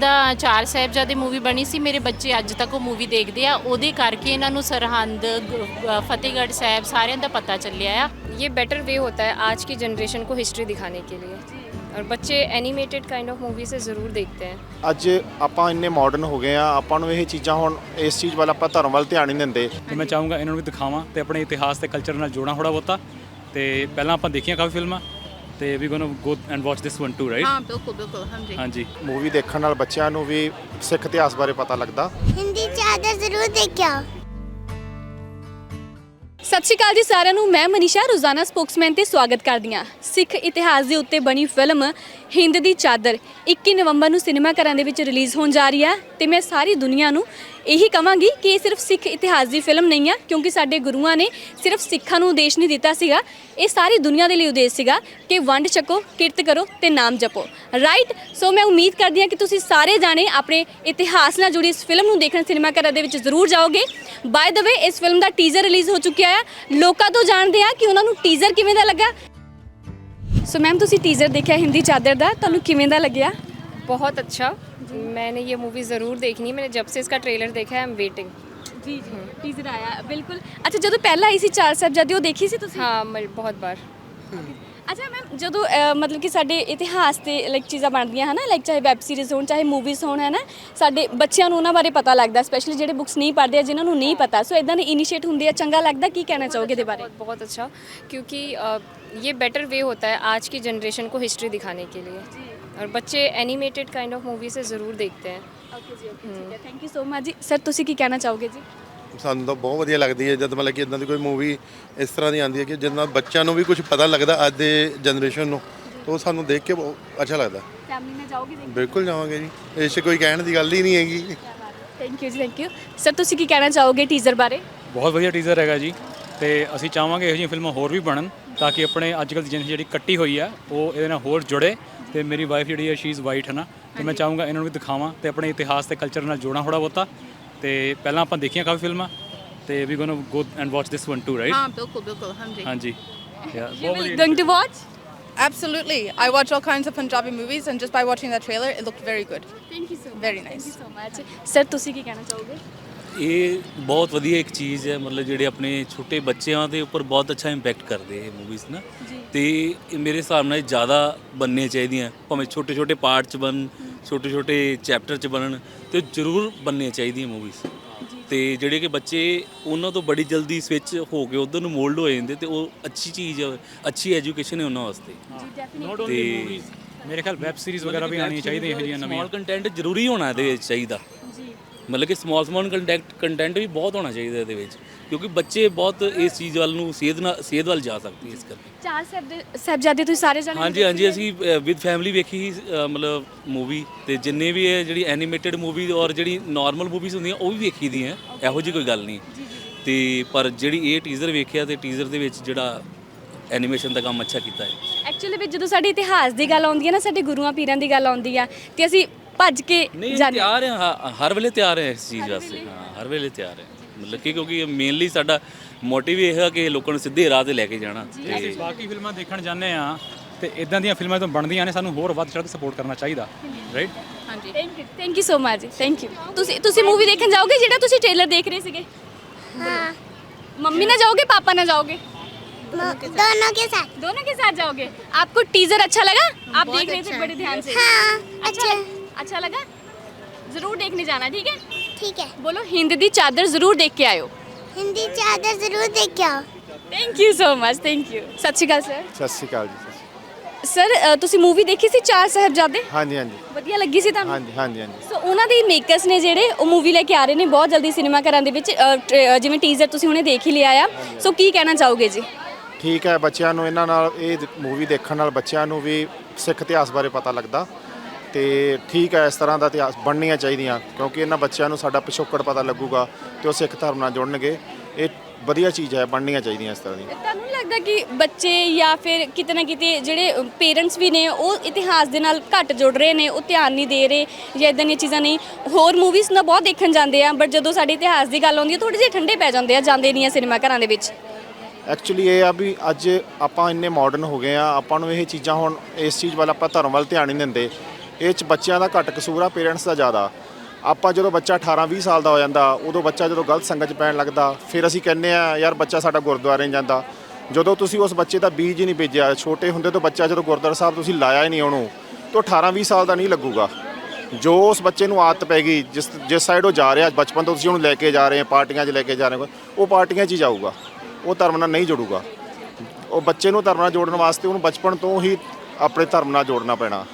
ਜਿੱਦਾਂ ਚਾਰ ਸਾਹਿਬਜ਼ਾਦੇ मूवी बनी सी, मेरे बच्चे अज तक वो मूवी देखते आ, ਉਹਦੇ ਕਰਕੇ ਇਹਨਾਂ ਨੂੰ ਸਰਹੰਦ फतेहगढ़ साहब ਸਾਰਿਆਂ ਦਾ पता ਚੱਲਿਆ ਆ। ये बेटर वे होता है आज की जनरेशन को हिस्ट्री दिखाने के लिए, और बच्चे एनिमेटेड काइंड ऑफ मूवी से ज़रूर देखते हैं। ਅੱਜ ਆਪਾਂ ਇੰਨੇ ਮਾਡਰਨ ਹੋ ਗਏ ਆ, ਆਪਾਂ ਨੂੰ ਇਹ ਚੀਜ਼ਾਂ ਹੁਣ ਇਸ ਚੀਜ਼ ਵੱਲ ਆਪਾਂ ਧਰਮ ਵੱਲ ਧਿਆਨ ਨਹੀਂ ਦਿੰਦੇ। ਤੇ ਮੈਂ ਚਾਹੂੰਗਾ ਇਹਨਾਂ ਨੂੰ ਵੀ ਦਿਖਾਵਾਂ ਤੇ ਆਪਣੇ ਇਤਿਹਾਸ ਤੇ ਕਲਚਰ ਨਾਲ ਜੋੜਾਂ ਥੋੜਾ ਬਹੁਤਾ। ਤੇ ਪਹਿਲਾਂ ਆਪਾਂ ਦੇਖੀਆਂ ਕਾਫੀ ਫਿਲਮਾਂ ਤੇ ਵੀ gonna go and watch this one too, right? ਹਾਂ ਬਿਲਕੁਲ ਬਿਲਕੁਲ, ਹਾਂਜੀ ਹਾਂਜੀ। ਮੂਵੀ ਦੇਖਣ ਨਾਲ ਬੱਚਿਆਂ ਨੂੰ ਵੀ ਸਿੱਖ ਇਤਿਹਾਸ ਬਾਰੇ ਪਤਾ ਲੱਗਦਾ। ਹਿੰਦੀ ਚਾਦਰ ਜ਼ਰੂਰ ਦੇਖਿਆ। ਸਤਿ ਸ਼੍ਰੀ ਅਕਾਲ ਜੀ ਸਾਰਿਆਂ ਨੂੰ, ਮੈਂ ਮਨੀਸ਼ਾ ਰੋਜ਼ਾਨਾ ਸਪੋਕਸਮੈਨ ਤੇ ਸਵਾਗਤ ਕਰਦੀ ਹਾਂ। ਸਿੱਖ ਇਤਿਹਾਸ ਦੇ ਉੱਤੇ ਬਣੀ ਫਿਲਮ ਹਿੰਦ ਦੀ ਚਾਦਰ 21 ਨਵੰਬਰ ਨੂੰ ਸਿਨੇਮਾ ਘਰਾਂ ਦੇ ਵਿੱਚ ਰਿਲੀਜ਼ ਹੋਣ ਜਾ ਰਹੀ ਹੈ ਤੇ ਮੈਂ ਸਾਰੀ ਦੁਨੀਆ ਨੂੰ ਇਹੀ ਕਹਾਂਗੀ ਕਿ ਇਹ ਸਿਰਫ ਸਿੱਖ ਇਤਿਹਾਸ ਦੀ ਫਿਲਮ ਨਹੀਂ ਆ, ਕਿਉਂਕਿ ਸਾਡੇ ਗੁਰੂਆਂ ਨੇ ਸਿਰਫ ਸਿੱਖਾਂ ਨੂੰ ਉਦੇਸ਼ ਨਹੀਂ ਦਿੱਤਾ ਸੀਗਾ, ਇਹ ਸਾਰੀ ਦੁਨੀਆ ਦੇ ਲਈ ਉਦੇਸ਼ ਸੀਗਾ ਕਿ ਵੰਡ ਛਕੋ, ਕਿਰਤ ਕਰੋ ਤੇ ਨਾਮ ਜਪੋ, ਰਾਈਟ? ਸੋ ਮੈਂ ਉਮੀਦ ਕਰਦੀ ਹਾਂ ਕਿ ਤੁਸੀਂ ਸਾਰੇ ਜਾਣੇ ਆਪਣੇ ਇਤਿਹਾਸ ਨਾਲ ਜੁੜੀ ਇਸ ਫਿਲਮ ਨੂੰ ਦੇਖਣ ਸਿਨੇਮਾ ਘਰਾਂ ਦੇ ਵਿੱਚ ਜ਼ਰੂਰ ਜਾਓਗੇ। ਬਾਏ ਦ ਵੇ, ਇਸ ਫਿਲਮ ਦਾ ਟੀਜ਼ਰ ਰਿਲੀਜ਼ ਹੋ ਚੁੱਕਿਆ ਹੈ। ਲੋਕਾਂ ਤੋਂ ਜਾਣਦੇ ਆ ਕਿ ਉਹਨਾਂ ਨੂੰ ਟੀਜ਼ਰ ਕਿਵੇਂ ਦਾ ਲੱਗਾ। ਸੋ ਮੈਮ, ਤੁਸੀਂ ਟੀਜ਼ਰ ਦੇਖਿਆ ਹਿੰਦੀ ਚਾਦਰ ਦਾ, ਤੁਹਾਨੂੰ ਕਿਵੇਂ ਦਾ ਲੱਗਿਆ? बहुत अच्छा, मैंने ये मूवी ज़रूर देखनी है। मैंने जब से इसका ट्रेलर देखा है, आई एम वेटिंग। ਜੀ ਜੀ, ਟੀਜ਼ਰ ਆਇਆ ਬਿਲਕੁਲ। ਅੱਛਾ, ਜਦੋਂ ਪਹਿਲਾਂ ਆਈ ਸੀ ਚਾਰ ਸਾਹਿਬਜ਼ਾਦੇ, ਉਹ ਦੇਖੀ ਸੀ ਤੁਸੀਂ? हाँ, मैं बहुत बार। ਅੱਛਾ ਮੈਮ, ਜਦੋਂ ਮਤਲਬ ਕਿ ਸਾਡੇ ਇਤਿਹਾਸ ਤੇ ਲਾਈਕ ਚੀਜ਼ਾਂ ਬਣਦੀਆਂ ਹਨ, ਲਾਈਕ ਚਾਹੇ ਵੈਬ ਸੀਰੀਜ਼ ਹੋਣ ਚਾਹੇ ਮੂਵੀਜ਼ ਹੋਣ, ਹੈ ਨਾ, ਸਾਡੇ ਬੱਚਿਆਂ ਨੂੰ ਉਹਨਾਂ ਬਾਰੇ ਪਤਾ ਲੱਗਦਾ, ਸਪੈਸ਼ਲੀ ਜਿਹੜੇ ਬੁੱਕਸ ਨਹੀਂ ਪੜ੍ਹਦੇ ਆ, ਜਿਨ੍ਹਾਂ ਨੂੰ ਨਹੀਂ ਪਤਾ। ਸੋ ਇਦਾਂ ਦੇ ਇਨੀਸ਼ੀਏਟ ਹੁੰਦੇ ਆ, ਚੰਗਾ ਲੱਗਦਾ। ਕੀ ਕਹਿਣਾ ਚਾਹੋਗੇ ਇਹਦੇ ਬਾਰੇ? बहुत बहुत अच्छा, क्योंकि ये बेटर वे होता है आज की जनरेशन को हिस्ट्री दिखाने के लिए, और बच्चे एनिमेटेड काइंड ऑफ मूवी से ज़रूर देखते हैं। ਓਕੇ ਜੀ, ਓਕੇ, ਠੀਕ ਹੈ, ਥੈਂਕ ਯੂ ਸੋ ਮਚ ਜੀ। ਸਰ, ਤੁਸੀਂ ਕੀ ਕਹਿਣਾ ਚਾਹੋਗੇ ਜੀ? ਸਾਨੂੰ ਤਾਂ ਬਹੁਤ ਵਧੀਆ ਲੱਗਦੀ ਹੈ ਜਦ ਮਤਲਬ ਕਿ ਇਦਾਂ ਦੀ ਕੋਈ ਮੂਵੀ ਇਸ ਤਰ੍ਹਾਂ ਦੀ ਆਉਂਦੀ ਹੈ ਕਿ ਜਿਹਦੇ ਨਾਲ ਬੱਚਿਆਂ ਨੂੰ ਵੀ ਕੁਝ ਪਤਾ ਲੱਗਦਾ ਅੱਜ ਦੇ ਜਨਰੇਸ਼ਨ ਨੂੰ, ਤਾਂ ਉਹ ਸਾਨੂੰ ਦੇਖ ਕੇ ਬਹੁਤ ਅੱਛਾ ਲੱਗਦਾ। ਫੈਮਿਲੀ ਨਾਲ ਜਾਓਗੇ ਦੇਖਣ? ਬਿਲਕੁਲ ਜਾਵਾਂਗੇ ਜੀ, ਇਸ 'ਚ ਕੋਈ ਕਹਿਣ ਦੀ ਗੱਲ ਹੀ ਨਹੀਂ ਹੈਗੀ। ਥੈਂਕ ਯੂ ਜੀ, ਥੈਂਕ ਯੂ। ਸਰ, ਤੁਸੀਂ ਕੀ ਕਹਿਣਾ ਚਾਹੋਗੇ ਟੀਜ਼ਰ ਬਾਰੇ? ਬਹੁਤ ਵਧੀਆ ਟੀਜ਼ਰ ਹੈਗਾ ਜੀ, ਤੇ ਅਸੀਂ ਚਾਹਾਂਗੇ ਇਹੋ ਜਿਹੀਆਂ ਫਿਲਮਾਂ ਹੋਰ ਵੀ ਬਣਨ ਤਾਂ ਕਿ ਆਪਣੇ ਅੱਜ ਕੱਲ੍ਹ ਦੀ ਜਨਰੇਸ਼ਨ ਜਿਹੜੀ ਕੱਟੀ ਹੋਈ ਆ ਉਹ ਇਹਦੇ ਨਾਲ ਹੋਰ ਜੁੜੇ। ਤੇ ਮੇਰੀ ਵਾਈਫ ਜਿਹੜੀ ਹੈ ਸ਼ੀ ਇਜ਼ ਵਾਈਟ, ਹੈ ਨਾ, ਤੇ ਮੈਂ ਚਾਹੂੰਗਾ ਇਹਨਾਂ ਨੂੰ ਵੀ ਦਿਖਾਵਾਂ ਤੇ ਆਪਣੇ ਇਤਿਹਾਸ ਤੇ ਕਲਚਰ ਨਾਲ ਜੋੜਾਂ ਥੋੜਾ ਬਹੁਤਾ। ਤੇ ਪਹਿਲਾਂ ਆਪਾਂ ਦੇਖੀਆਂ ਕਾਫੀ ਫਿਲਮਾਂ ਤੇ ਵੀ gonna go and watch this one too, right? ਹਾਂ ਬਿਲਕੁਲ ਬਿਲਕੁਲ, ਹਾਂਜੀ ਹਾਂਜੀ। You will going to watch? Absolutely. I watch all kinds of Punjabi movies, and just by watching that trailer, it looked very good. Thank you so much. Very nice. Thank you so much. Sir, ਤੁਸੀਂ ਕੀ ਕਹਿਣਾ ਚਾਹੋਗੇ? ਇਹ ਬਹੁਤ ਵਧੀਆ ਇੱਕ ਚੀਜ਼ ਹੈ, ਮਤਲਬ ਜਿਹੜੇ ਆਪਣੇ ਛੋਟੇ ਬੱਚਿਆਂ ਦੇ ਉੱਪਰ ਬਹੁਤ ਅੱਛਾ ਇੰਪੈਕਟ ਕਰਦੇ ਇਹ ਮੂਵੀਜ਼ ਨਾ। ਤੇ ਇਹ ਮੇਰੇ ਹਿਸਾਬ ਨਾਲ ਜ਼ਿਆਦਾ ਬਣਨੀਆਂ ਚਾਹੀਦੀਆਂ, ਭਾਵੇਂ ਛੋਟੇ ਛੋਟੇ ਪਾਰਟ 'ਚ ਬਣਨ, ਛੋਟੇ ਛੋਟੇ ਚੈਪਟਰ 'ਚ ਬਣਨ, ਤੇ ਜ਼ਰੂਰ ਬਣਨੀਆਂ ਚਾਹੀਦੀਆਂ ਮੂਵੀਜ਼। ਤੇ ਜਿਹੜੇ ਕਿ ਬੱਚੇ ਉਹਨਾਂ ਤੋਂ ਬੜੀ ਜਲਦੀ ਸਵਿਚ ਹੋ ਕੇ ਉਧਰ ਨੂੰ ਮੋਲਡ ਹੋ ਜਾਂਦੇ, ਤੇ ਉਹ ਅੱਛੀ ਚੀਜ਼ ਹੈ, ਅੱਛੀ ਐਜੂਕੇਸ਼ਨ ਹੈ ਉਹਨਾਂ ਵਾਸਤੇ। ਤੇ ਮੇਰੇ ਖਿਆਲ ਵੈਬ ਸੀਰੀਜ਼ ਵਗੈਰਾ ਵੀ ਆਉਣੀਆਂ ਚਾਹੀਦੀਆਂ ਇਹੋ ਜਿਹੀਆਂ ਨਵੀਆਂ। ਸਮਾਲ ਕੰਟੈਂਟ ਜ਼ਰੂਰੀ ਹੋਣਾ ਇਹਦੇ ਵਿੱਚ ਚਾਹੀਦਾ, ਮਤਲਬ ਕਿ ਸਮਾਲ ਕੰਟੈਂਟ ਵੀ ਬਹੁਤ ਹੋਣਾ ਚਾਹੀਦਾ ਇਹਦੇ ਵਿੱਚ, ਕਿਉਂਕਿ ਬੱਚੇ ਬਹੁਤ ਇਸ ਚੀਜ਼ ਵੱਲ ਨੂੰ ਸੇਧ ਵੱਲ ਜਾ ਸਕਦੇ ਇਸ ਕਰਕੇ। ਚਾਰ ਸਾਹਿਬਜ਼ਾਦੇ ਤੁਸੀਂ ਸਾਰੇ ਜਾਣੇ? ਹਾਂਜੀ ਹਾਂਜੀ, ਅਸੀਂ ਵਿਦ ਫੈਮਿਲੀ ਵੇਖੀ ਮਤਲਬ ਮੂਵੀ, ਤੇ ਜਿੰਨੇ ਵੀ ਇਹ ਜਿਹੜੀ ਐਨੀਮੇਟਡ ਮੂਵੀ ਔਰ ਜਿਹੜੀ ਨਾਰਮਲ ਮੂਵੀਜ਼ ਹੁੰਦੀਆਂ ਉਹ ਵੀ ਵੇਖੀ ਦੀਆਂ, ਇਹੋ ਜਿਹੀ ਕੋਈ ਗੱਲ ਨਹੀਂ। ਤੇ ਪਰ ਜਿਹੜੀ ਇਹ ਟੀਜ਼ਰ ਵੇਖਿਆ, ਤੇ ਟੀਜ਼ਰ ਦੇ ਵਿੱਚ ਜਿਹੜਾ ਐਨੀਮੇਸ਼ਨ ਦਾ ਕੰਮ ਅੱਛਾ ਕੀਤਾ ਹੈ। ਐਕਚੁਅਲੀ ਵਿੱਚ ਜਦੋਂ ਸਾਡੇ ਇਤਿਹਾਸ ਦੀ ਗੱਲ ਆਉਂਦੀ ਹੈ ਨਾ, ਸਾਡੇ ਗੁਰੂਆਂ ਪੀਰਾਂ ਦੀ ਗੱਲ ਆਉਂਦੀ ਆ, ਤੇ ਅਸੀਂ ਭੱਜ ਕੇ ਜਾਂਦੇ ਹਾਂ। ਤਿਆਰ ਹਾਂ, ਹਰ ਵੇਲੇ ਤਿਆਰ ਹੈ ਇਸ ਚੀਜ਼ ਵਾਸਤੇ। ਹਾਂ, ਹਰ ਵੇਲੇ ਤਿਆਰ ਹੈ, ਮਤਲਬ ਕਿ ਕਿਉਂਕਿ ਮੇਨਲੀ ਸਾਡਾ ਮੋਟਿਵ ਇਹ ਹੈ ਕਿ ਲੋਕਾਂ ਨੂੰ ਸਿੱਧੇ ਰਾਹ ਤੇ ਲੈ ਕੇ ਜਾਣਾ। ਤੇ ਬਾਕੀ ਫਿਲਮਾਂ ਦੇਖਣ ਜਾਂਦੇ ਆ, ਤੇ ਇਦਾਂ ਦੀਆਂ ਫਿਲਮਾਂ ਤੋਂ ਬਣਦੀਆਂ ਨੇ, ਸਾਨੂੰ ਹੋਰ ਵੱਧ ਚੜ੍ਹ ਕੇ ਸਪੋਰਟ ਕਰਨਾ ਚਾਹੀਦਾ, ਰਾਈਟ? ਹਾਂਜੀ, ਥੈਂਕ ਯੂ ਸੋ ਮਚ ਜੀ, ਥੈਂਕ ਯੂ। ਤੁਸੀਂ ਮੂਵੀ ਦੇਖਣ ਜਾਓਗੇ ਜਿਹੜਾ ਤੁਸੀਂ ਟ੍ਰੇਲਰ ਦੇਖ ਰਹੇ ਸੀਗੇ? हाँ, मम्मी ना जाओगे, पापा ना जाओगे? दोनों के साथ। दोनों के साथ जाओगे। आपको टीजर अच्छा लगा? आप देख रहे थे बड़े ध्यान से? हाँ, अच्छा लगा? जरूर देखने जाना, ठीक है? ठीक है। बोलो हिंद दी चादर जरूर देख के आयो। हिंदी चादर जरूर देख के आओ। Thank you so much, thank you. सत श्री अकाल सर। ਸਤਿ ਸ਼੍ਰੀ ਅਕਾਲ ਜੀ। ਸਰ, ਤੁਸੀਂ ਮੂਵੀ ਦੇਖੀ ਸੀ ਚਾਰ ਸਾਹਿਬਜ਼ਾਦੇ? ਹਾਂਜੀ ਹਾਂਜੀ ਵਧੀਆ ਲੱਗੀ ਸੀ ਤੁਹਾਨੂੰ? ਹਾਂਜੀ ਹਾਂਜੀ ਹਾਂਜੀ। ਸੋ ਉਹਨਾਂ ਦੇ ਮੇਕਰਸ ਨੇ ਜਿਹੜੇ ਉਹ ਮੂਵੀ ਲੈ ਕੇ ਆ ਰਹੇ ਨੇ ਬਹੁਤ ਜਲਦੀ ਸਿਨੇਮਾ ਘਰਾਂ ਦੇ ਵਿੱਚ, ਜਿਵੇਂ ਟੀਜ਼ਰ ਤੁਸੀਂ ਹੁਣੇ ਦੇਖ ਹੀ ਲਿਆ ਆ। ਸੋ ਕੀ ਕਹਿਣਾ ਚਾਹੋਗੇ ਜੀ? ਠੀਕ ਹੈ, ਬੱਚਿਆਂ ਨੂੰ ਇਹਨਾਂ ਨਾਲ ਇਹ ਮੂਵੀ ਦੇਖਣ ਨਾਲ ਬੱਚਿਆਂ ਨੂੰ ਵੀ ਸਿੱਖ ਇਤਿਹਾਸ ਬਾਰੇ ਪਤਾ ਲੱਗਦਾ। ਤੇ ਠੀਕ ਹੈ, ਇਸ ਤਰ੍ਹਾਂ ਦਾ ਇਤਿਹਾਸ ਬਣਨੀਆਂ ਚਾਹੀਦੀਆਂ, ਕਿਉਂਕਿ ਇਹਨਾਂ ਬੱਚਿਆਂ ਨੂੰ ਸਾਡਾ ਪਿਛੋਕੜ ਪਤਾ ਲੱਗੂਗਾ ਤੇ ਉਹ ਸਿੱਖ ਧਰਮ ਨਾਲ ਜੁੜਨਗੇ। ਇਹ ਵਧੀਆ ਚੀਜ਼ ਹੈ, ਬਣਨੀਆਂ ਚਾਹੀਦੀਆਂ ਇਸ ਤਰ੍ਹਾਂ ਦੀ। ਤੁਹਾਨੂੰ ਲੱਗਦਾ ਕਿ ਬੱਚੇ ਜਾਂ ਫਿਰ ਕਿਤੇ ਨਾ ਕਿਤੇ ਜਿਹੜੇ ਪੇਰੈਂਟਸ ਵੀ ਨੇ ਉਹ ਇਤਿਹਾਸ ਦੇ ਨਾਲ ਘੱਟ ਜੁੜ ਰਹੇ ਨੇ, ਉਹ ਧਿਆਨ ਨਹੀਂ ਦੇ ਰਹੇ ਜਾਂ ਇਦਾਂ ਦੀਆਂ ਚੀਜ਼ਾਂ ਨਹੀਂ? ਹੋਰ ਮੂਵੀਜ਼ ਨਾ ਬਹੁਤ ਦੇਖਣ ਜਾਂਦੇ ਆ, ਬਟ ਜਦੋਂ ਸਾਡੇ ਇਤਿਹਾਸ ਦੀ ਗੱਲ ਆਉਂਦੀ ਹੈ ਥੋੜ੍ਹੇ ਜਿਹੇ ਠੰਡੇ ਪੈ ਜਾਂਦੇ ਆ, ਜਾਂਦੇ ਨਹੀਂ ਆ ਸਿਨੇਮਾ ਘਰਾਂ ਦੇ ਵਿੱਚ। ਐਕਚੁਅਲੀ ਇਹ ਆ ਵੀ ਅੱਜ ਆਪਾਂ ਇੰਨੇ ਮਾਡਰਨ ਹੋ ਗਏ ਆ, ਆਪਾਂ ਨੂੰ ਇਹ ਚੀਜ਼ਾਂ ਹੁਣ ਇਸ ਚੀਜ਼ ਵੱਲ ਆਪਾਂ ਧਰਮ ਵੱਲ ਧਿਆਨ ਨਹੀਂ ਦਿੰਦੇ। ਇਹ 'ਚ ਬੱਚਿਆਂ ਦਾ ਘੱਟ ਕਸੂਰ ਆ, ਪੇਰੈਂਟਸ ਦਾ ਜ਼ਿਆਦਾ। ਆਪਾਂ ਜਦੋਂ ਬੱਚਾ 18-20 ਸਾਲ ਦਾ ਹੋ ਜਾਂਦਾ, ਉਦੋਂ ਬੱਚਾ ਜਦੋਂ ਗਲਤ ਸੰਗਤ 'ਚ ਪੈਣ ਲੱਗਦਾ, ਫਿਰ ਅਸੀਂ ਕਹਿੰਦੇ ਆ ਯਾਰ ਬੱਚਾ ਸਾਡਾ ਗੁਰਦੁਆਰੇ ਨਹੀਂ ਜਾਂਦਾ। ਜਦੋਂ ਤੁਸੀਂ ਉਸ ਬੱਚੇ ਦਾ ਬੀਜ ਹੀ ਨਹੀਂ ਬੀਜਿਆ, ਛੋਟੇ ਹੁੰਦੇ ਤੋਂ ਬੱਚਾ ਜਦੋਂ ਗੁਰਦੁਆਰਾ ਸਾਹਿਬ ਤੁਸੀਂ ਲਾਇਆ ਹੀ ਨਹੀਂ ਉਹਨੂੰ, ਤਾਂ 18-20 ਸਾਲ ਦਾ ਨਹੀਂ ਲੱਗੂਗਾ। ਜੋ ਉਸ ਬੱਚੇ ਨੂੰ ਆਦਤ ਪੈ ਗਈ, ਜਿਸ ਸਾਈਡ ਉਹ ਜਾ ਰਿਹਾ, ਬਚਪਨ ਤੋਂ ਤੁਸੀਂ ਉਹਨੂੰ ਲੈ ਕੇ ਜਾ ਰਹੇ ਹੋ, ਪਾਰਟੀਆਂ 'ਚ ਲੈ ਕੇ ਜਾ ਰਹੇ ਹੋ, ਉਹ ਪਾਰਟੀਆਂ 'ਚ ਹੀ ਜਾਊਗਾ, ਉਹ ਧਰਮ ਨਾਲ ਨਹੀਂ ਜੁੜੂਗਾ। ਉਹ ਬੱਚੇ ਨੂੰ ਧਰਮ ਨਾਲ ਜੋੜਨ ਵਾਸਤੇ ਉਹਨੂੰ ਬਚਪਨ ਤੋਂ ਹੀ ਆਪਣੇ ਧਰਮ ਨਾਲ ਜੋੜਨਾ ਪੈਣਾ।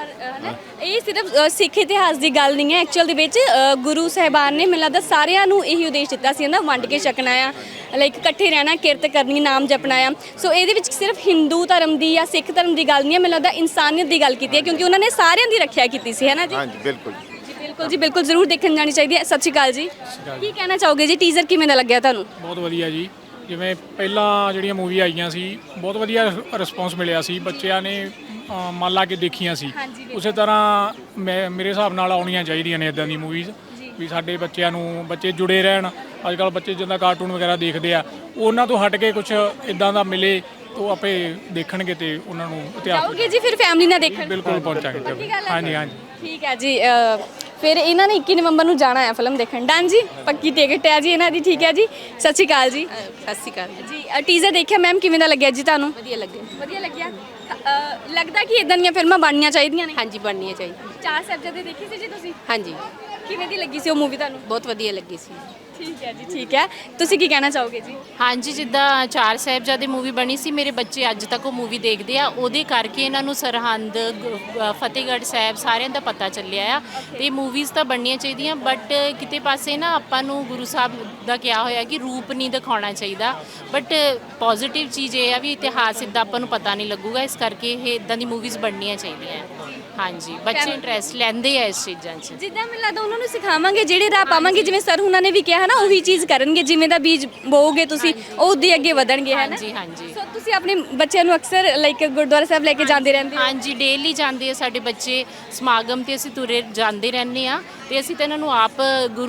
ਇਹ ਸਿਰਫ ਸਿੱਖ ਇਤਿਹਾਸ ਦੀ ਗੱਲ ਨਹੀਂ ਹੈ, ਐਕਚੁਅਲ ਦੇ ਵਿੱਚ ਗੁਰੂ ਸਾਹਿਬਾਨ ਨੇ ਮੈਨੂੰ ਲੱਗਦਾ ਸਾਰਿਆਂ ਨੂੰ ਇਹੀ ਉਦੇਸ਼ ਦਿੱਤਾ ਸੀ ਨਾ, ਵੰਡ ਕੇ ਛਕਣਾ ਆ, ਲਾਈਕ ਇਕੱਠੇ ਰਹਿਣਾ, ਕਿਰਤ ਕਰਨੀ, ਨਾਮ ਜਪਣਾ ਆ। ਸੋ ਇਹਦੇ ਵਿੱਚ ਸਿਰਫ ਹਿੰਦੂ ਧਰਮ ਦੀ ਜਾਂ ਸਿੱਖ ਧਰਮ ਦੀ ਗੱਲ ਨਹੀਂ ਹੈ, ਮੈਨੂੰ ਲੱਗਦਾ ਇਨਸਾਨੀਅਤ ਦੀ ਗੱਲ ਕੀਤੀ ਹੈ, ਕਿਉਂਕਿ ਉਹਨਾਂ ਨੇ ਸਾਰਿਆਂ ਦੀ ਰੱਖਿਆ ਕੀਤੀ ਸੀ, ਹੈ ਨਾ ਜੀ? ਹਾਂਜੀ ਬਿਲਕੁਲ ਬਿਲਕੁਲ ਜੀ, ਬਿਲਕੁਲ ਜ਼ਰੂਰ ਦੇਖਣ ਜਾਣੀ ਚਾਹੀਦੀ ਹੈ। ਸਤਿ ਸ਼੍ਰੀ ਅਕਾਲ ਜੀ, ਕੀ ਕਹਿਣਾ ਚਾਹੋਗੇ ਜੀ? ਟੀਜ਼ਰ ਕਿਵੇਂ ਦਾ ਲੱਗਿਆ ਤੁਹਾਨੂੰ? ਬਹੁਤ ਵਧੀਆ ਜੀ। ਜਿਵੇਂ ਪਹਿਲਾਂ ਜਿਹੜੀਆਂ ਮੂਵੀ ਆਈਆਂ ਸੀ, ਬਹੁਤ ਵਧੀਆ ਰਿਸਪੌਂਸ ਮਿਲਿਆ ਸੀ, ਬੱਚਿਆਂ ਨੇ ਮਨ ਲਾ ਕੇ ਦੇਖੀਆਂ ਸੀ। ਉਸੇ ਤਰ੍ਹਾਂ ਮੇਰੇ ਹਿਸਾਬ ਨਾਲ ਆਉਣੀਆਂ ਚਾਹੀਦੀਆਂ ਨੇ ਇਦਾਂ ਦੀ ਮੂਵੀਜ਼, ਵੀ ਸਾਡੇ ਬੱਚਿਆਂ ਨੂੰ, ਬੱਚੇ ਜੁੜੇ ਰਹਿਣ। ਅੱਜ ਕੱਲ੍ਹ ਬੱਚੇ ਜਿੱਦਾਂ ਕਾਰਟੂਨ ਵਗੈਰਾ ਦੇਖਦੇ ਆ, ਉਹਨਾਂ ਤੋਂ ਹਟ ਕੇ ਕੁਝ ਇਦਾਂ ਦਾ ਮਿਲੇ, ਉਹ ਆਪੇ ਦੇਖਣਗੇ ਤੇ ਉਹਨਾਂ ਨੂੰ ਇਤਿਹਾਸ। ਚਾਹੋਗੇ ਜੀ ਫਿਰ ਫੈਮਿਲੀ ਨਾਲ ਦੇਖਣ? ਬਿਲਕੁਲ ਪਹੁੰਚਾਂਗੇ। ਹਾਂਜੀ ਹਾਂਜੀ ਠੀਕ ਹੈ ਜੀ। ਫਿਰ ਇਹਨਾਂ ਨੇ 21 ਨਵੰਬਰ ਨੂੰ ਜਾਣਾ ਹੈ ਫਿਲਮ ਦੇਖਣ। ਡਨ ਜੀ, ਪੱਕੀ ਟਿਕਟ ਹੈ ਜੀ ਇਹਨਾਂ ਦੀ। ਠੀਕ ਹੈ ਜੀ, ਸਤਿ ਸ਼੍ਰੀ ਅਕਾਲ ਜੀ। ਸਤਿ ਸ਼੍ਰੀ ਅਕਾਲ ਜੀ, ਟੀਜ਼ਰ ਦੇਖਿਆ ਮੈਮ, ਕਿਵੇਂ ਦਾ ਲੱਗਿਆ ਜੀ ਤੁਹਾਨੂੰ? ਵਧੀਆ ਲੱਗਿਆ। ਵਧੀਆ ਲੱਗਿਆ। ਲੱਗਦਾ ਕਿ ਇਦਾਂ ਦੀਆਂ ਫਿਲਮਾਂ ਬਣਨੀਆਂ ਚਾਹੀਦੀਆਂ ਨੇ? ਹਾਂਜੀ ਬਣਨੀਆਂ ਚਾਹੀਦੀਆਂ। ਚਾਰ ਸਾਹਿਬਜ਼ਾਦੇ ਦੇਖੀ ਸੀ ਜੀ ਤੁਸੀਂ? ਹਾਂਜੀ ਕਿਵੇਂ ਦੀ ਲੱਗੀ ਸੀ ਉਹ ਮੂਵੀ ਤੁਹਾਨੂੰ? ਬਹੁਤ ਵਧੀਆ ਲੱਗੀ ਸੀ। ਠੀਕ ਹੈ ਜੀ, ਠੀਕ ਹੈ। ਤੁਸੀਂ ਕੀ ਕਹਿਣਾ ਚਾਹੋਗੇ ਜੀ? ਹਾਂਜੀ, ਜਿੱਦਾਂ ਚਾਰ ਸਾਹਿਬਜ਼ਾਦੇ ਮੂਵੀ ਬਣੀ ਸੀ, ਮੇਰੇ ਬੱਚੇ ਅੱਜ ਤੱਕ ਉਹ ਮੂਵੀ ਦੇਖਦੇ ਆ, ਉਹਦੇ ਕਰਕੇ ਇਹਨਾਂ ਨੂੰ ਸਰਹੰਦ, ਫਤਿਹਗੜ੍ਹ ਸਾਹਿਬ ਸਾਰਿਆਂ ਦਾ ਪਤਾ ਚੱਲਿਆ ਆ। ਤੇ ਮੂਵੀਜ਼ ਤਾਂ ਬਣਨੀਆਂ ਚਾਹੀਦੀਆਂ, ਬਟ ਕਿਤੇ ਪਾਸੇ ਨਾ ਆਪਾਂ ਨੂੰ ਗੁਰੂ ਸਾਹਿਬ ਦਾ ਕਿਹਾ ਹੋਇਆ ਕਿ ਰੂਪ ਨਹੀਂ ਦਿਖਾਉਣਾ ਚਾਹੀਦਾ। ਬਟ ਪੋਜ਼ਿਟਿਵ ਚੀਜ਼ ਇਹ ਆ ਵੀ ਇਤਿਹਾਸ ਇੱਦਾਂ ਆਪਾਂ ਨੂੰ ਪਤਾ ਨਹੀਂ ਲੱਗੂਗਾ, ਇਸ ਕਰਕੇ ਇਹ ਇੱਦਾਂ ਦੀ ਮੂਵੀਜ਼ ਬਣਨੀਆਂ ਚਾਹੀਦੀਆਂ। ਹਾਂਜੀ, ਬੱਚੇ ਇੰਟਰਸਟ ਲੈਂਦੇ ਆ ਇਸ ਚੀਜ਼ਾਂ 'ਚ। ਜਿੱਦਾਂ ਮੈਨੂੰ ਲੱਗਦਾ ਉਹਨਾਂ ਨੂੰ ਸਿਖਾਵਾਂਗੇ, ਜਿਹੜੇ ਰਾਹ ਪਾਵਾਂਗੇ, ਜਿਵੇਂ ਸਰ ਉਹਨਾਂ ਨੇ ਵੀ ਕਿਹਾ ਨਾ, ਉਹੀ ਚੀਜ਼ ਕਰਨਗੇ। ਜਿਵੇਂ ਦਾ ਬੀਜ ਬੋਓਗੇ ਤੁਸੀਂ, ਉਹ ਉਦੋਂ ਅੱਗੇ ਵਧਣਗੇ, ਹੈ ਨਾ? ਹਾਂਜੀ ਹਾਂਜੀ। ਸੋ ਤੁਸੀਂ ਆਪਣੇ ਬੱਚਿਆਂ ਨੂੰ ਅਕਸਰ ਲਾਈਕ ਗੁਰਦੁਆਰਾ ਸਾਹਿਬ ਲੈ ਕੇ ਜਾਂਦੇ ਰਹਿੰਦੇ ਹੋ? ਹਾਂਜੀ, ਡੇਲੀ ਜਾਂਦੇ ਆ ਸਾਡੇ ਬੱਚੇ ਸਮਾਗਮ ਤੇ, ਅਸੀਂ ਤੁਰੇ ਜਾਂਦੇ ਰਹਿੰਦੇ ਆ। ਤੇ ਅਸੀਂ ਤਾਂ ਇਹਨਾਂ ਨੂੰ ਆਪ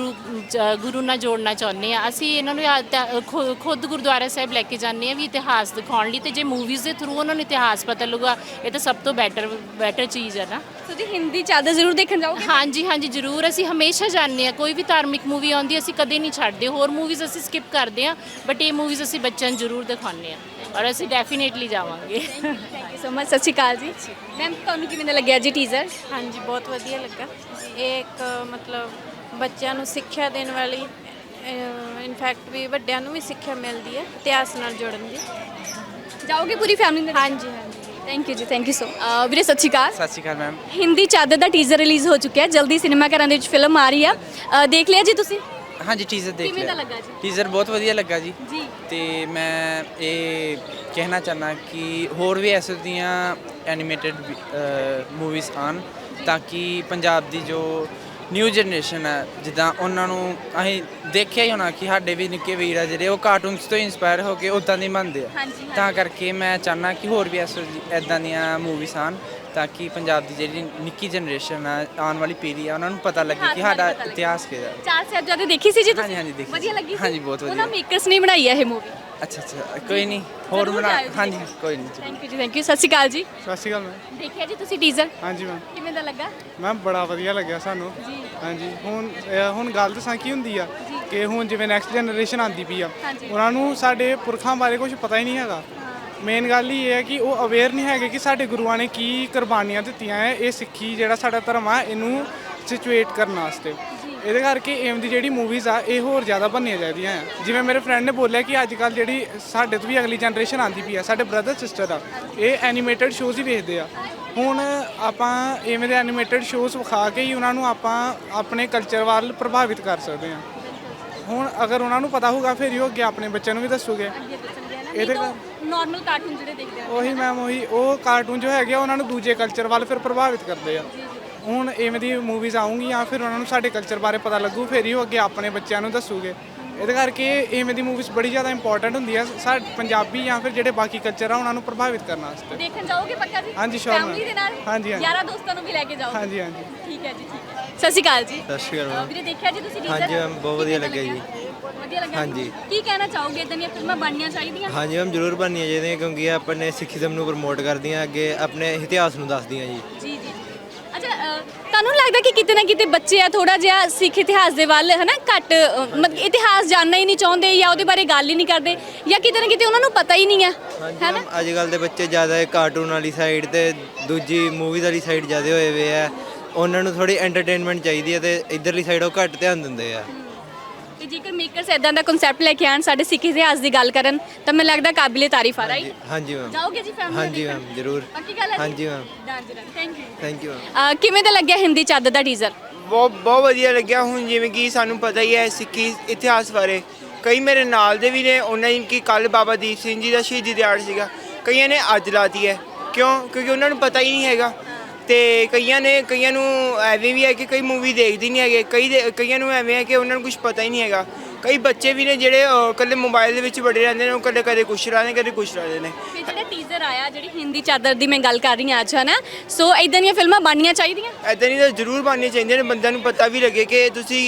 ਗੁਰੂ ਨਾਲ ਜੋੜਨਾ ਚਾਹੁੰਦੇ ਆ। ਅਸੀਂ ਇਹਨਾਂ ਨੂੰ ਖੁਦ ਗੁਰਦੁਆਰਾ ਸਾਹਿਬ ਲੈ ਕੇ ਜਾਂਦੇ ਆ ਵੀ ਇਤਿਹਾਸ ਦਿਖਾਉਣ ਲਈ। ਤੇ ਜੇ ਮੂਵੀਜ਼ ਦੇ ਥਰੂ ਉਹਨਾਂ ਨੂੰ ਇਤਿਹਾਸ ਪਤਾ ਲੱਗੂਗਾ, ਇਹ ਤਾਂ ਸਭ ਤੋਂ ਬੈਟਰ ਚੀਜ਼ ਹੈ ਨਾ। ਤੁਸੀਂ ਹਿੰਦੀ ਚਾਦਰ ਜ਼ਰੂਰ ਦੇਖਣ ਜਾਓਗੇ? ਹਾਂਜੀ ਹਾਂਜੀ ਜ਼ਰੂਰ, ਅਸੀਂ ਹਮੇਸ਼ਾ ਜਾਂਦੇ ਆ। ਕੋਈ ਵੀ ਧਾਰਮਿਕ ਮੂਵੀ ਆਉਂਦੀ ਅਸੀਂ ਕਦੇ ਨਹੀਂ ਛੱਡਦੇ। ਹੋਰ ਮੂਵੀਜ਼ ਅਸੀਂ ਸਕਿਪ ਕਰਦੇ ਆ, ਬਟ ਇਹ ਮੂਵੀਜ਼ ਅਸੀਂ ਬੱਚਿਆਂ ਨੂੰ ਜ਼ਰੂਰ ਦਿਖਾਉਂਦੇ ਆ, ਔਰ ਅਸੀਂ ਡੈਫੀਨੇਟਲੀ ਜਾਵਾਂਗੇ। Thank you so much. ਸਤਿ ਸ਼੍ਰੀ ਅਕਾਲ ਜੀ ਮੈਮ, ਤੁਹਾਨੂੰ ਕਿਵੇਂ ਦਾ ਲੱਗਿਆ ਜੀ ਟੀਜ਼ਰ? ਹਾਂਜੀ, ਬਹੁਤ ਵਧੀਆ ਲੱਗਾ। ਇਹ ਇੱਕ ਮਤਲਬ ਬੱਚਿਆਂ ਨੂੰ ਸਿੱਖਿਆ ਦੇਣ ਵਾਲੀ, ਇਨਫੈਕਟ ਵੀ ਵੱਡਿਆਂ ਨੂੰ ਵੀ ਸਿੱਖਿਆ ਮਿਲਦੀ ਹੈ ਇਤਿਹਾਸ ਨਾਲ ਜੁੜਨ ਦੀ। ਜਾਓਗੇ ਪੂਰੀ ਫੈਮਿਲੀ ਨਾਲ? ਹਾਂਜੀ ਹਾਂਜੀ। ਥੈਂਕ ਯੂ ਜੀ, ਥੈਂਕ ਯੂ ਸੋ। ਵੀਰੇ ਸਤਿ ਸ਼੍ਰੀ ਅਕਾਲ। ਸਤਿ ਸ਼੍ਰੀ ਅਕਾਲ ਮੈਮ। ਹਿੰਦੀ ਚਾਦਰ ਦਾ ਟੀਜ਼ਰ ਰਿਲੀਜ਼ ਹੋ ਚੁੱਕਿਆ, ਜਲਦੀ ਸਿਨੇਮਾ ਘਰਾਂ ਦੇ ਵਿੱਚ ਫਿਲਮ ਆ ਰਹੀ ਆ। ਦੇਖ ਲਿਆ ਜੀ ਤੁਸੀਂ? ਹਾਂਜੀ, ਟੀਜ਼ਰ ਦੇਖ ਲਿਆ। ਕਿਵੇਂ ਦਾ ਲੱਗਾ ਜੀ? ਟੀਜ਼ਰ ਬਹੁਤ ਵਧੀਆ ਲੱਗਾ ਜੀ। ਜੀ। ਤੇ ਮੈਂ ਇਹ ਕਹਿਣਾ ਚਾਹੁੰਦਾ ਕਿ ਹੋਰ ਵੀ ਐਸੇ ਦੀਆਂ ਐਨੀਮੇਟਡ ਮੂਵੀਜ਼ ਆਉਣ, ਤਾਂ ਕਿ ਪੰਜਾਬ ਦੀ ਜੋ ਨਿਊ ਜਨਰੇਸ਼ਨ ਹੈ, ਜਿੱਦਾਂ ਉਹਨਾਂ ਨੂੰ ਅਸੀਂ ਦੇਖਿਆ ਹੀ ਹੋਣਾ ਕਿ ਸਾਡੇ ਵੀ ਨਿੱਕੇ ਵੀਰ ਆ ਜਿਹੜੇ, ਉਹ ਕਾਰਟੂਨਸ ਤੋਂ ਇੰਸਪਾਇਰ ਹੋ ਕੇ ਉੱਦਾਂ ਦੇ ਬਣਦੇ ਆ। ਤਾਂ ਕਰਕੇ ਮੈਂ ਚਾਹੁੰਦਾ ਕਿ ਹੋਰ ਵੀ ਇੱਦਾਂ ਦੀਆਂ ਮੂਵੀਜ਼ ਆਉਣ, ਤਾਂ ਕਿ ਪੰਜਾਬ ਦੀ ਜਿਹੜੀ ਨਿੱਕੀ ਜਨਰੇਸ਼ਨ ਆ, ਆਉਣ ਵਾਲੀ ਪੀੜ੍ਹੀ ਆ, ਉਹਨਾਂ ਨੂੰ ਪਤਾ ਲੱਗੇ ਕਿ ਸਾਡਾ ਇਤਿਹਾਸ ਕਿਹਦਾ। ਚਾਰ ਸਾਹਿਬਜ਼ਾਦੇ ਦੇਖੀ ਸੀ ਜੀ ਤੁਸੀਂ? ਹਾਂਜੀ ਹਾਂਜੀ ਦੇਖੀ। ਵਧੀਆ ਲੱਗੀ ਸੀ? ਹਾਂਜੀ ਬਹੁਤ ਵਧੀਆ। ਉਹਨਾਂ ਮੇਕਰਸ ਨੇ ਬਣਾਈ ਹੈ ਇਹ ਮੂਵੀ? ਅੱਛਾ ਅੱਛਾ, ਕੋਈ ਨਹੀਂ, ਹੋਰ ਬਣਾ। ਹਾਂਜੀ ਕੋਈ ਨਹੀਂ। ਥੈਂਕ ਯੂ ਜੀ, ਥੈਂਕ ਯੂ। ਸਤਿ ਸ਼੍ਰੀ ਅਕਾਲ ਜੀ। ਸਤਿ ਸ਼੍ਰੀ ਅਕਾਲ ਮੈਮ। ਦੇਖਿਆ ਜੀ ਤੁਸੀਂ ਟੀਜ਼ਰ? ਹਾਂਜੀ ਮੈਮ। ਕਿਵੇਂ ਦਾ ਲੱਗਾ? ਮੈਮ ਬੜਾ ਵਧੀਆ ਲੱਗਿਆ ਸਾਨੂੰ। ਹਾਂਜੀ, ਹੁਣ ਗੱਲ ਦੱਸਾਂ ਕੀ ਹੁੰਦੀ ਆ ਕਿ ਹੁਣ ਜਿਵੇਂ ਨੈਕਸਟ ਜਨਰੇਸ਼ਨ ਆਉਂਦੀ ਪਈ ਆ, ਉਹਨਾਂ ਨੂੰ ਸਾਡੇ ਪੁਰਖਾਂ ਬਾਰੇ ਕੁਝ ਪਤਾ ਹੀ ਨਹੀਂ ਹੈਗਾ। ਮੇਨ ਗੱਲ ਹੀ ਇਹ ਹੈ ਕਿ ਉਹ ਅਵੇਅਰ ਨਹੀਂ ਹੈਗੇ ਕਿ ਸਾਡੇ ਗੁਰੂਆਂ ਨੇ ਕੀ ਕੁਰਬਾਨੀਆਂ ਦਿੱਤੀਆਂ ਹੈ। ਇਹ ਸਿੱਖੀ ਜਿਹੜਾ ਸਾਡਾ ਧਰਮ ਆ, ਇਹਨੂੰ ਸਿਚੁਏਟ ਕਰਨ ਵਾਸਤੇ। ਇਹਦੇ ਕਰਕੇ ਏਮ ਦੀ ਜਿਹੜੀ ਮੂਵੀਜ਼ ਆ, ਇਹ ਹੋਰ ਜ਼ਿਆਦਾ ਬਣਨੀਆਂ ਚਾਹੀਦੀਆਂ ਆ। ਜਿਵੇਂ ਮੇਰੇ ਫਰੈਂਡ ਨੇ ਬੋਲਿਆ ਕਿ ਅੱਜ ਕੱਲ੍ਹ ਜਿਹੜੀ ਸਾਡੇ ਤੋਂ ਵੀ ਅਗਲੀ ਜਨਰੇਸ਼ਨ ਆਉਂਦੀ ਪਈ ਆ, ਸਾਡੇ ਬ੍ਰਦਰ ਸਿਸਟਰ ਆ, ਇਹ ਐਨੀਮੇਟਡ ਸ਼ੋਜ਼ ਹੀ ਵੇਖਦੇ ਆ। ਹੁਣ ਆਪਾਂ ਇਵੇਂ ਦੇ ਐਨੀਮੇਟਡ ਸ਼ੋਜ਼ ਵਿਖਾ ਕੇ ਹੀ ਉਹਨਾਂ ਨੂੰ ਆਪਾਂ ਆਪਣੇ ਕਲਚਰ ਵੱਲ ਪ੍ਰਭਾਵਿਤ ਕਰ ਸਕਦੇ ਹਾਂ। ਹੁਣ ਅਗਰ ਉਹਨਾਂ ਨੂੰ ਪਤਾ ਹੋਊਗਾ, ਫਿਰ ਹੀ ਉਹ ਅੱਗੇ ਆਪਣੇ ਬੱਚਿਆਂ ਨੂੰ ਵੀ ਦੱਸੂਗੇ। ਇਹਦੇ ਨਾਰਮਲ ਕਾਰਟੂਨ ਜਿਹੜੇ ਦੇਖਦੇ ਆ, ਉਹੀ ਮੈਮ, ਉਹੀ ਉਹ ਕਾਰਟੂਨ ਜੋ ਹੈਗੇ ਆ, ਉਹਨਾਂ ਨੂੰ ਦੂਜੇ ਕਲਚਰ ਵੱਲ ਫਿਰ ਪ੍ਰਭਾਵਿਤ ਕਰਦੇ ਆ। ਹੁਣ ਇਵੇਂ ਦੀ ਮੂਵੀਜ਼ ਆਉਂਗੀਆਂ, ਫਿਰ ਉਹਨਾਂ ਨੂੰ ਸਾਡੇ ਕਲਚਰ ਬਾਰੇ ਪਤਾ ਲੱਗੂ, ਫਿਰ ਹੀ ਉਹ ਅੱਗੇ ਆਪਣੇ ਬੱਚਿਆਂ ਨੂੰ ਦੱਸੂਗੇ। ਇਹਦੇ ਕਰਕੇ ਇਵੇਂ ਦੀ ਮੂਵੀਜ਼ ਬੜੀ ਜ਼ਿਆਦਾ ਇੰਪੋਰਟੈਂਟ ਹੁੰਦੀ ਆ ਸਾਡੇ ਪੰਜਾਬੀ ਜਾਂ ਫਿਰ ਜਿਹੜੇ ਬਾਕੀ ਕਲਚਰ ਆ, ਉਹਨਾਂ ਨੂੰ ਪ੍ਰਭਾਵਿਤ ਕਰਨ ਵਾਸਤੇ। ਦੇਖਣ ਜਾਓਗੇ ਪੱਕਾ ਜੀ? ਹਾਂਜੀ ਸ਼ੋਰ ਫੈਮਿਲੀ ਦੇ ਨਾਲ? ਹਾਂਜੀ ਹਾਂਜੀ। ਯਾਰਾਂ ਦੋਸਤਾਂ ਨੂੰ ਵੀ ਲੈ ਕੇ ਜਾਓ? ਹਾਂਜੀ ਹਾਂਜੀ। ਠੀਕ ਹੈ ਜੀ, ਠੀਕ ਹੈ। ਸਤਿ ਸ਼੍ਰੀ ਅਕਾਲ ਜੀ। ਸਤਿ ਸ਼੍ਰੀ ਅਕਾਲ। ਵੀਰੇ ਦੇਖਿਆ ਜੀ ਤੁਸੀਂ ਟੀਜ਼ਰ? ਹਾਂਜੀ ਮੈਮ, ਬਹੁਤ ਵਧੀਆ ਲੱਗਿਆ ਜੀ। ਵਧੀਆ ਲੱਗਾ? ਹਾਂਜੀ। ਕੀ ਕਹਿਣਾ ਚਾਹੋਗੇ, ਇਦਾਂ ਦੀਆਂ ਫਿਲਮਾਂ ਬਣਨੀਆਂ ਚਾਹੀਦੀਆਂ? ਹਾਂਜੀ ਮੈਮ, ਜ਼ਰੂਰ ਬਣਨੀਆਂ ਚਾਹੀਦੀਆਂ, ਕਿਉਂਕਿ ਇਹ ਆਪਣੇ ਸਿੱਖੀਜ਼ਮ ਨੂੰ ਪ੍ਰਮੋਟ ਕਰਦੀਆਂ, ਅੱਗੇ ਆਪਣੇ ਇਤਿਹਾਸ ਨੂੰ ਦੱਸਦੀਆਂ ਜੀ। ਜੀ ਜੀ। ਅੱਛਾ, ਤੁਹਾਨੂੰ ਨੀ ਲੱਗਦਾ ਕਿ ਕਿਤੇ ਨਾ ਕਿਤੇ ਬੱਚੇ ਆ ਥੋੜਾ ਜਿਹਾ ਸਿੱਖ ਇਤਿਹਾਸ ਦੇ ਵੱਲ ਹਨਾ ਘੱਟ ਮਤਲਬ ਇਤਿਹਾਸ ਜਾਣਨਾ ਹੀ ਨਹੀਂ ਚਾਹੁੰਦੇ ਜਾਂ ਉਹਦੇ ਬਾਰੇ ਗੱਲ ਹੀ ਨਹੀਂ ਕਰਦੇ ਜਾਂ ਕਿਤੇ ਨਾ ਕਿਤੇ ਉਹਨਾਂ ਨੂੰ ਪਤਾ ਹੀ ਨਹੀਂ ਹੈ ਹੈਨਾ? ਅੱਜ ਕੱਲ ਦੇ ਬੱਚੇ ਜ਼ਿਆਦਾ ਕਾਰਟੂਨ ਵਾਲੀ ਸਾਈਡ ਤੇ ਦੂਜੀ ਮੂਵੀਜ਼ ਵਾਲੀ ਸਾਈਡ ਜ਼ਿਆਦਾ ਹੋਏ ਵੇ ਆ। ਉਹਨਾਂ ਨੂੰ ਥੋੜੀ ਐਂਟਰਟੇਨਮੈਂਟ ਚਾਹੀਦੀ ਹੈ ਤੇ ਇਧਰਲੀ ਸਾਈਡ ਉਹ ਘੱਟ ਧਿਆਨ ਦਿੰਦੇ ਆ। ਤੇ ਜੇਕਰ ਮੇਕਰਸ ਇਦਾਂ ਦਾ ਕਨਸੈਪਟ ਲੈ ਕੇ ਆਣ ਸਾਡੇ ਸਿੱਖ ਇਤਿਹਾਸ ਦੀ ਗੱਲ ਕਰਨ ਤਾਂ ਮੈਨੂੰ ਲੱਗਦਾ ਕਾਬਿਲੇ ਤਾਰੀਫ ਆ ਰਾਈਟ। ਹਾਂਜੀ ਮੈਮ। ਜਾਓਗੇ ਜੀ ਫੈਮਿਲੀ ਹਾਂਜੀ ਮੈਮ ਜ਼ਰੂਰ। ਪੱਕੀ ਗੱਲ ਹੈ ਜੀ? ਹਾਂਜੀ ma'am. Thank you. Thank you ma'am. ਕਿਵੇਂ ਦਾ ਲੱਗਿਆ ਹਿੰਦੀ ਚਾਦਰ ਦਾ ਟੀਜ਼ਰ? ਬਹੁਤ ਵਧੀਆ ਲੱਗਿਆ। ਹੁਣ ਜਿਵੇਂ ਕਿ ਸਾਨੂੰ ਪਤਾ ਹੀ ਹੈ ਸਿੱਖੀ ਇਤਿਹਾਸ ਬਾਰੇ, ਕਈ ਮੇਰੇ ਨਾਲ ਦੇ ਵੀ ਨੇ, ਉਹਨਾਂ ਨੇ ਕਿ ਕੱਲ ਬਾਬਾ ਦੀਪ ਸਿੰਘ ਜੀ ਦਾ ਸ਼ਹੀਦੀ ਦਿਹਾੜਾ ਸੀਗਾ, ਕਈਆਂ ਨੇ ਅੱਜ ਲਾਤੀ ਹੈ। ਕਿਉਂਕਿ ਉਹਨਾਂ ਨੂੰ ਪਤਾ ਹੀ ਨਹੀਂ ਹੈਗਾ। ਤੇ ਕਈਆਂ ਨੂੰ ਐਵੇਂ ਵੀ ਹੈ ਕਿ ਕਈ ਮੂਵੀ ਦੇਖਦੇ ਨਹੀਂ ਹੈਗੇ, ਕਈਆਂ ਨੂੰ ਐਵੇਂ ਹੈ ਕਿ ਉਹਨਾਂ ਨੂੰ ਕੁਝ ਪਤਾ ਹੀ ਨਹੀਂ ਹੈਗਾ। ਕਈ ਬੱਚੇ ਵੀ ਨੇ ਜਿਹੜੇ ਇਕੱਲੇ ਮੋਬਾਈਲ ਦੇ ਵਿੱਚ ਵੜੇ ਰਹਿੰਦੇ ਨੇ, ਉਹ ਕਦੇ ਕੁਛ ਰਾਦੇ ਕਦੇ ਕੁਛ ਰਾਦੇ ਨੇ। ਫਿਰ ਜਿਹੜਾ ਟੀਜ਼ਰ ਆਇਆ ਜਿਹੜੀ ਹਿੰਦੀ ਚਾਦਰ ਦੀ ਮੈਂ ਗੱਲ ਕਰ ਰਹੀ ਹਾਂ ਅੱਜ ਹੈ ਨਾ, ਸੋ ਇਦਾਂ ਦੀਆਂ ਫਿਲਮਾਂ ਬਣਨੀਆਂ ਚਾਹੀਦੀਆਂ। ਇੱਦਾਂ ਨਹੀਂ ਤਾਂ ਜ਼ਰੂਰ ਬਣਨੀਆਂ ਚਾਹੀਦੀਆਂ ਨੇ। ਬੰਦਿਆਂ ਨੂੰ ਪਤਾ ਵੀ ਲੱਗੇ ਕਿ ਤੁਸੀਂ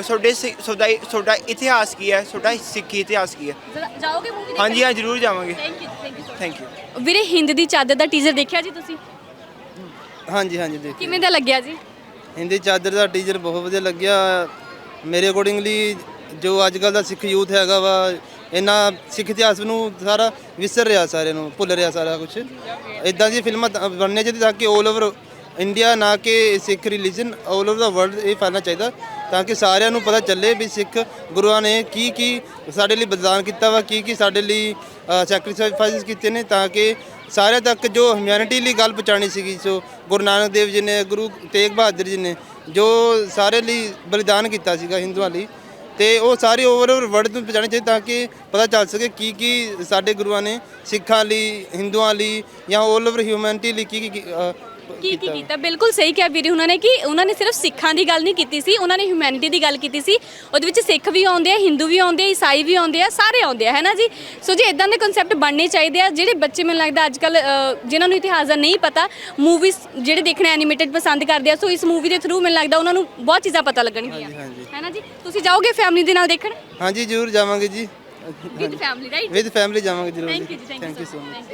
ਤੁਹਾਡਾ ਇਤਿਹਾਸ ਕੀ ਹੈ, ਤੁਹਾਡਾ ਸਿੱਖੀ ਇਤਿਹਾਸ ਕੀ ਹੈ। ਜਾਓਗੇ ਮੂਵੀ ਦੇਖਣ? ਹਾਂਜੀ ਹਾਂ ਜ਼ਰੂਰ ਜਾਵਾਂਗੇ। Thank you. ਵੀਰੇ ਹਿੰਦ ਦੀ ਚਾਦਰ ਦਾ ਟੀਜ਼ਰ ਦੇਖਿਆ ਜੀ ਤੁਸੀਂ? ਹਾਂਜੀ ਹਾਂਜੀ ਦੇਖਿਆ। ਕਿਵੇਂ ਦਾ ਲੱਗਿਆ ਜੀ? ਹਿੰਦੀ ਚਾਦਰ ਦਾ ਟੀਜ਼ਰ ਬਹੁਤ ਵਧੀਆ ਲੱਗਿਆ ਮੇਰੇ ਅਕੋਰਡਿੰਗਲੀ। ਜੋ ਅੱਜ ਕੱਲ੍ਹ ਦਾ ਸਿੱਖ ਯੂਥ ਹੈਗਾ ਵਾ, ਇਹਨਾਂ ਸਿੱਖ ਇਤਿਹਾਸ ਨੂੰ ਸਾਰਾ ਵਿਸਰ ਰਿਹਾ, ਸਾਰਿਆਂ ਨੂੰ ਭੁੱਲ ਰਿਹਾ ਸਾਰਾ ਕੁਝ। ਇਦਾਂ ਦੀ ਫਿਲਮਾਂ ਬਣਨੀਆਂ ਚਾਹੀਦੀਆਂ ਤਾਂ ਕਿ 올 ਓਵਰ ਇੰਡੀਆ, ਨਾ ਕਿ ਸਿੱਖ ਰਿਲੀਜਨ, 올 ਓਵਰ ਦਾ ਵਰਲਡ ਇਹ ਫੈਲਣਾ ਚਾਹੀਦਾ ਤਾਂ ਕਿ ਸਾਰਿਆਂ ਨੂੰ ਪਤਾ ਚੱਲੇ ਵੀ ਸਿੱਖ ਗੁਰੂਆਂ ਨੇ ਕੀ ਸਾਡੇ ਲਈ ਬਲਿਦਾਨ ਕੀਤਾ ਵਾ, ਕੀ ਸਾਡੇ ਲਈ ਸੈਕਰੀਫਾਈਸ ਕੀਤੇ ਨੇ, ਤਾਂ ਕਿ ਸਾਰਿਆਂ ਤੱਕ ਜੋ ਹਿਊਮੈਨਿਟੀ ਲਈ ਗੱਲ ਪਹੁੰਚਾਉਣੀ ਸੀਗੀ। ਸੋ ਗੁਰੂ ਨਾਨਕ ਦੇਵ ਜੀ ਨੇ, ਗੁਰੂ ਤੇਗ ਬਹਾਦਰ ਜੀ ਨੇ ਜੋ ਸਾਰੇ ਲਈ ਬਲਿਦਾਨ ਕੀਤਾ ਸੀਗਾ ਹਿੰਦੂਆਂ ਲਈ, ਤੇ ਉਹ ਸਾਰੇ ਓਵਰ ਵਰਲਡ ਨੂੰ ਪਹੁੰਚਾਉਣੀ ਚਾਹੀਦੀ ਤਾਂ ਕਿ ਪਤਾ ਚੱਲ ਸਕੇ ਕੀ ਸਾਡੇ ਗੁਰੂਆਂ ਨੇ ਸਿੱਖਾਂ ਲਈ, ਹਿੰਦੂਆਂ ਲਈ ਜਾਂ 올 ਓਵਰ ਹਿਊਮੈਨਿਟੀ ਲਈ ਕੀ ਕੀਤਾ। ਬਿਲਕੁਲ ਸਹੀ ਕਿਹਾ ਵੀਰੇ ਉਹਨਾਂ ਨੇ ਕਿ ਉਹਨਾਂ ਨੇ ਸਿਰਫ ਸਿੱਖਾਂ ਦੀ ਗੱਲ ਨਹੀਂ ਕੀਤੀ ਸੀ, ਉਹਨਾਂ ਨੇ ਹਿਊਮੈਨਿਟੀ ਦੀ ਗੱਲ ਕੀਤੀ ਸੀ। ਉਹਦੇ ਵਿੱਚ ਸਿੱਖ ਵੀ ਆਉਂਦੇ ਆ, ਹਿੰਦੂ ਵੀ ਆਉਂਦੇ ਆ, ਈਸਾਈ ਵੀ ਆਉਂਦੇ ਆ, ਸਾਰੇ ਆਉਂਦੇ ਆ ਹੈ ਨਾ ਜੀ। ਸੋ ਜੀ ਇਦਾਂ ਦੇ ਕਨਸੈਪਟ ਬਣਨੇ ਚਾਹੀਦੇ ਆ। ਜਿਹੜੇ ਬੱਚੇ ਮੈਨੂੰ ਲੱਗਦਾ ਅੱਜ ਕੱਲ੍ਹ ਜਿਨ੍ਹਾਂ ਨੂੰ ਇਤਿਹਾਸ ਦਾ ਨਹੀਂ ਪਤਾ, ਮੂਵੀਜ਼ ਜਿਹੜੇ ਦੇਖਣਾ ਐਨੀਮੇਟਡ ਪਸੰਦ ਕਰਦੇ ਆ, ਸੋ ਇਸ ਮੂਵੀ ਦੇ ਥਰੂ ਮੈਨੂੰ ਲੱਗਦਾ ਉਹਨਾਂ ਨੂੰ ਬਹੁਤ ਚੀਜ਼ਾਂ ਪਤਾ ਲੱਗਣਗੀਆਂ ਹੈ ਨਾ ਜੀ। ਤੁਸੀਂ ਜਾਓਗੇ ਫੈਮਿਲੀ ਦੇ ਨਾਲ ਦੇਖਣ? ਹਾਂਜੀ ਜ਼ਰੂਰ ਜਾਵਾਂਗੇ ਜੀ। With family right? With family ਜਾਵਾਂਗੇ ਜ਼ਰੂਰ। ਥੈਂਕ ਯੂ ਜੀ। Thank you so much.